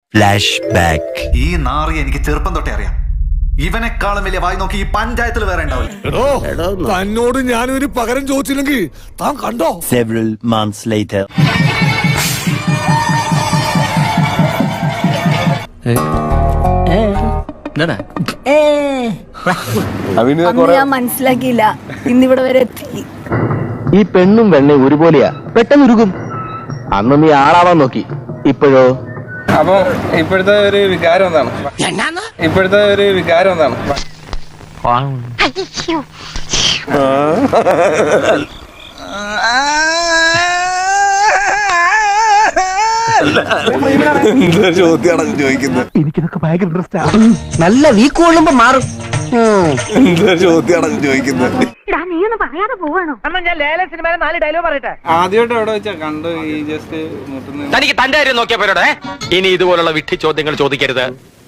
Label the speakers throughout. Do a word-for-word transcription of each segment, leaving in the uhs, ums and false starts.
Speaker 1: Flash back.
Speaker 2: ഈ നാറി എനിക്ക് ചെറുപ്പം തൊട്ടേ അറിയാം. ഇവനെക്കാളും വലിയ വായി നോക്കി ഈ പഞ്ചായത്തിൽ വേറെ ഉണ്ടാവില്ല.
Speaker 3: തന്നോട് ഞാനൊരു പകരം ചോദിച്ചില്ലെങ്കിൽ താൻ കണ്ടോ?
Speaker 1: Several months later.
Speaker 4: അന്ന് ഞാൻ മനസ്സിലാക്കിയില്ല, ഇന്നിവിടെ വരെ എത്തി.
Speaker 5: ഈ പെണ്ണും വെണ്ണയും ഒരുപോലെയാ, പെട്ടെന്ന് ഉരുകും. അന്ന് നീ ആളാവാൻ നോക്കി, ഇപ്പോഴോ?
Speaker 6: അപ്പൊ ഇപ്പോഴത്തെ ഒരു വികാരം എന്താണ്? ഇപ്പോഴത്തെ ഒരു വികാരം എന്താണ്?
Speaker 3: ചോദ്യമാണ് ചോദിക്കുന്നത്.
Speaker 5: എനിക്കിതൊക്കെ ഭയങ്കര ഇൻട്രസ്റ്റ്. നല്ല വീക്ക് കൊള്ളുമ്പോ മാറും.
Speaker 3: ചോദ്യമാണ് ചോദിക്കുന്നത്.
Speaker 6: ആദ്യമായിട്ട് എവിടെ വെച്ചാ കണ്ടു ഈ ജസ്റ്റ് മുട്ടുന്ന?
Speaker 7: തനിക്ക് തന്റെ കാര്യം നോക്കിയാ പോരോടെ. ഇനി ഇതുപോലുള്ള വിഡ്ഢി ചോദ്യങ്ങൾ ചോദിക്കരുത്.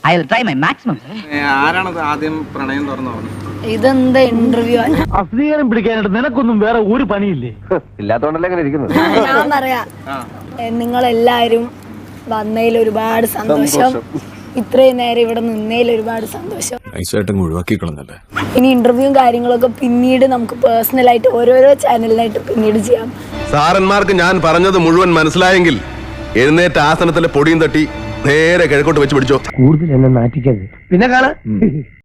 Speaker 6: ആരാണത് ആദ്യം പ്രണയം തുറന്നു പറഞ്ഞത്?
Speaker 4: ഇതെന്താ ഇന്റർവ്യൂ?
Speaker 5: അസ്വീകാരം പിടിക്കാനായിട്ട് നിനക്കൊന്നും വേറെ ഒരു പണിയില്ലേ? ഇല്ലാത്തോണ്ടല്ലേ അങ്ങനെ ഇരിക്കുന്നത്.
Speaker 4: ഞാൻ പറയാ, നിങ്ങളെല്ലാരും വന്നതിൽ ഒരുപാട് സന്തോഷം. ഇത്രയും നേരം ഇവിടെ നിന്നതിൽ ഒരുപാട് സന്തോഷം.
Speaker 3: ഒഴിവാക്കിക്കളന്നല്ലേ.
Speaker 4: ഇനി ഇന്റർവ്യൂവും കാര്യങ്ങളൊക്കെ പിന്നീട് നമുക്ക് പേഴ്സണലായിട്ട് ഓരോരോ ചാനലിനായിട്ട് പിന്നീട് ചെയ്യാം.
Speaker 8: സാറന്മാർക്ക് ഞാൻ പറഞ്ഞത് മുഴുവൻ മനസ്സിലായെങ്കിൽ എഴുന്നേറ്റ ആസനത്തിലെ പൊടിയും തട്ടി നേരെ കിഴക്കോട്ട് വെച്ച് പിടിച്ചോ.
Speaker 5: കൂടുതൽ എന്നെ നാറ്റിക്കരുത്. പിന്നെ കാണാ.